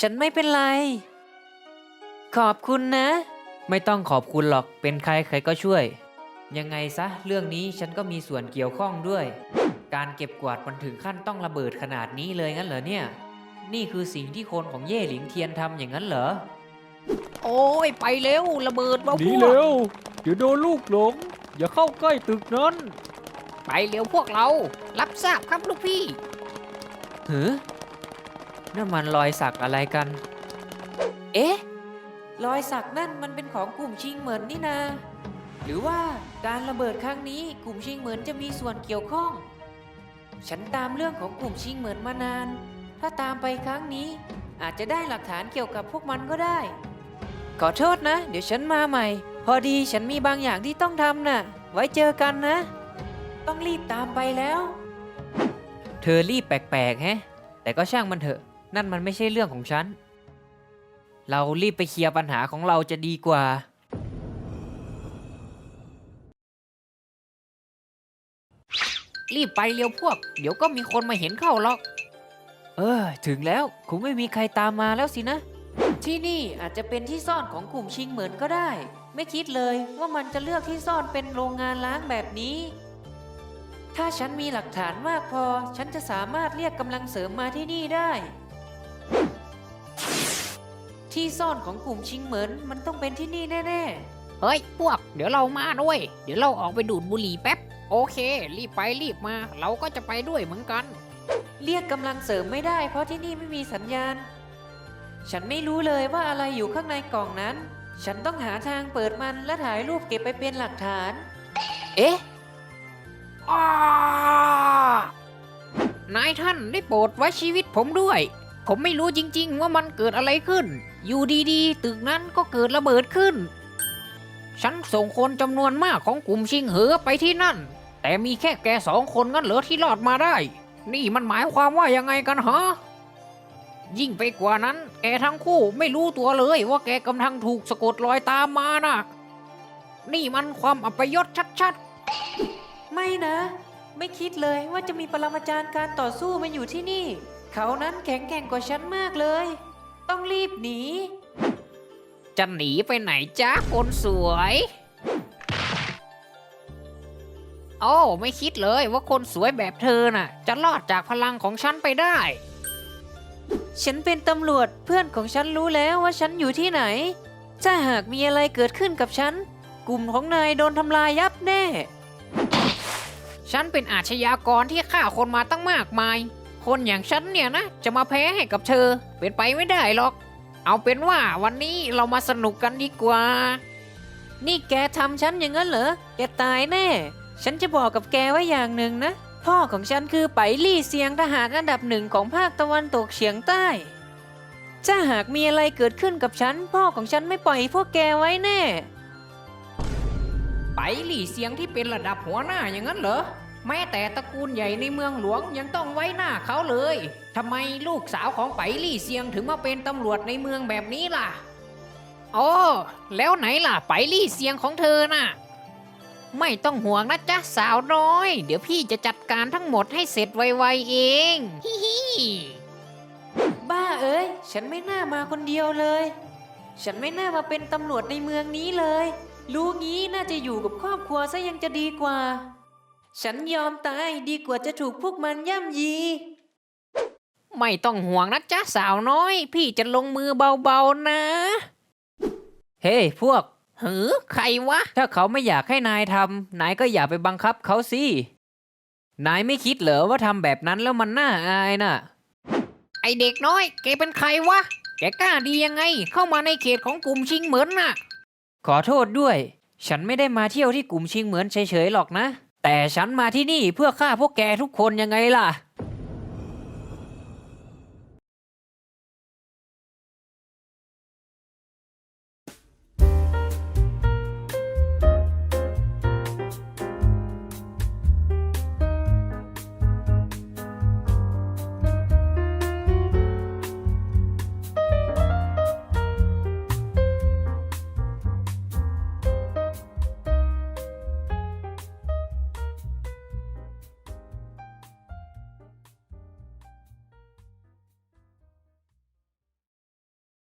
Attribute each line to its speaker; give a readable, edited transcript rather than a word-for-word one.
Speaker 1: ฉันไม่เป็นไรขอบคุณนะไม่ต้องขอบคุณหรอกเป็นใครใครก็ช่วยยังไงซะเรื่องนี้ฉันก็มีส่วนเกี่ยวข้องด้วยการเก็บกวาดมันถึงขั้นต้องระเบิดขนาดนี้เลยงั้นเหรอเนี่ยนี่คือสิ่งที่คนของเย่หลิงเทียนทำอย่างนั้นเหรอโอ้ยไปเร็วระเบิดวะ
Speaker 2: หนี
Speaker 1: พว
Speaker 2: เร็
Speaker 1: ก
Speaker 2: วเดี๋ยวโดนลูกหลงอย่าเข้าใกล้ตึกนั้น
Speaker 1: ไปเร็วพวกเรารับทราบครับลูกพี่หือนั่นมันรอยสักอะไรกันเอ๊ะรอยสักนั่นมันเป็นของกลุ่มชิงเหมินนี่นาหรือว่าการระเบิดครั้งนี้กลุ่มชิงเหมินจะมีส่วนเกี่ยวข้องฉันตามเรื่องของกลุ่มชิงเหมินมานานถ้าตามไปครั้งนี้อาจจะได้หลักฐานเกี่ยวกับพวกมันก็ได้ขอโทษนะเดี๋ยวฉันมาใหม่พอดีฉันมีบางอย่างที่ต้องทำน่ะไว้เจอกันนะต้องรีบตามไปแล้วเธอรีบแปลกๆแฮะแต่ก็ช่างมันเถอะนั่นมันไม่ใช่เรื่องของฉันเรารีบไปเคลียร์ปัญหาของเราจะดีกว่ารีบไปเร็วพวกเดี๋ยวก็มีคนมาเห็นเข้าหรอกถึงแล้วคงไม่มีใครตามมาแล้วสินะที่นี่อาจจะเป็นที่ซ่อนของกลุ่มชิงเหมินก็ได้ไม่คิดเลยว่ามันจะเลือกที่ซ่อนเป็นโรงงานล้างแบบนี้ถ้าฉันมีหลักฐานมากพอฉันจะสามารถเรียกกำลังเสริมมาที่นี่ได้ที่ซ่อนของกลุ่มชิงเหมินมันต้องเป็นที่นี่แน่ๆเฮ้ยพวกเดี๋ยวเรามาด้วยเดี๋ยวเราออกไปดูดบุหรี่แป๊บโอเครีบไปรีบมาเราก็จะไปด้วยเหมือนกันเรียกกำลังเสริมไม่ได้เพราะที่นี่ไม่มีสัญญาณฉันไม่รู้เลยว่าอะไรอยู่ข้างในกล่องนั้นฉันต้องหาทางเปิดมันและถ่ายรูปเก็บไปเป็นหลักฐานเอ๊ะนายท่านได้โปรดไว้ชีวิตผมด้วยผมไม่รู้จริงๆว่ามันเกิดอะไรขึ้นอยู่ดีๆตึกนั้นก็เกิดระเบิดขึ้นฉันส่งคนจำนวนมากของกลุ่มชิงเหอไปที่นั่นแต่มีแค่แก2 คนงั้นเหรอที่รอดมาได้นี่มันหมายความว่ายังไงกันฮะยิ่งไปกว่านั้นแกทั้งคู่ไม่รู้ตัวเลยว่าแกกำลังถูกสะกดรอยตามมานะนี่มันความอัปยศชัดๆไม่นะไม่คิดเลยว่าจะมีปรมาจารย์การต่อสู้มาอยู่ที่นี่เขานั้นแข็งแกร่งกว่าฉันมากเลยต้องรีบหนีจะหนีไปไหนจ๊ะคนสวยโอ้ไม่คิดเลยว่าคนสวยแบบเธอน่ะจะรอดจากพลังของฉันไปได้ฉันเป็นตำรวจเพื่อนของฉันรู้แล้วว่าฉันอยู่ที่ไหนถ้าหากมีอะไรเกิดขึ้นกับฉันกลุ่มของนายโดนทำลายยับแน่ฉันเป็นอาชญากรที่ฆ่าคนมาตั้งมากมายคนอย่างฉันเนี่ยนะจะมาแพ้ให้กับเธอเป็นไปไม่ได้หรอกเอาเป็นว่าวันนี้เรามาสนุกกันดีกว่านี่แกทำฉันอย่างนั้นเหรอแกตายแน่ฉันจะบอกกับแกไว้อย่างหนึ่งนะพ่อของฉันคือไปลี่เซียงทหารอันดับ1ของภาคตะวันตกเฉียงใต้ถ้าหากมีอะไรเกิดขึ้นกับฉันพ่อของฉันไม่ปล่อยพวกแกไว้แน่ไปลี่เซียงที่เป็นระดับหัวหน้าอย่างนั้นเหรอแม้แต่ตระกูลใหญ่ในเมืองหลวงยังต้องไว้หน้าเขาเลยทำไมลูกสาวของไปลี่เซียงถึงมาเป็นตำรวจในเมืองแบบนี้ล่ะอ๋อแล้วไหนล่ะไปลี่เซียงของเธอน่ะไม่ต้องห่วงนะจ๊ะสาวน้อยเดี๋ยวพี่จะจัดการทั้งหมดให้เสร็จไวๆเองฮิฮิบ้าเอ้ยฉันไม่น่ามาคนเดียวเลยฉันไม่น่ามาเป็นตำรวจในเมืองนี้เลยรู้งี้น่าจะอยู่กับครอบครัวซะยังจะดีกว่าฉันยอมตายดีกว่าจะถูกพวกมันย่ำยีไม่ต้องห่วงนะจ๊ะสาวน้อยพี่จะลงมือเบาๆนะเฮ้พวกหือใครวะถ้าเขาไม่อยากให้นายทำนายก็อย่าไปบังคับเขาสินายไม่คิดเหรอว่าทำแบบนั้นแล้วมันน่าอายน่ะไอเด็กน้อยแกเป็นใครวะแกกล้าดียังไงเข้ามาในเขตของกลุ่มชิงเหมินน่ะขอโทษด้วยฉันไม่ได้มาเที่ยวที่กลุ่มชิงเหมินเฉยๆหรอกนะแต่ฉันมาที่นี่เพื่อฆ่าพวกแกทุกคนยังไงล่ะ